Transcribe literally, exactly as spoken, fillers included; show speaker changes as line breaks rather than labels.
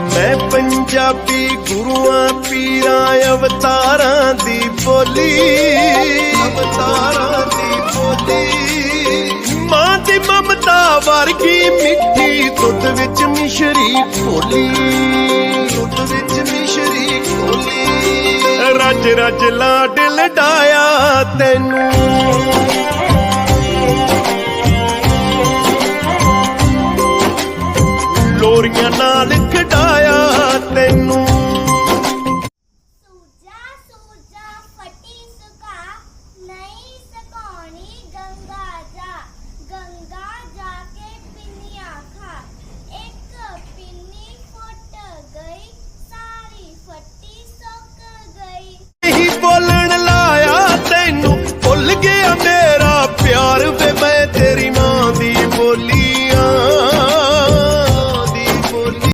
मैं पंजाबी गुरुआं पीरां अवतारां दी बोली, अवतारां दी बोली। मां दी ममता वर्गी मिठी दुध विच मिश्री घोली, दुध विच मिश्री घोली। रज रज लाड लडाया तैनू, लोरियां नाल खडाया तैनू।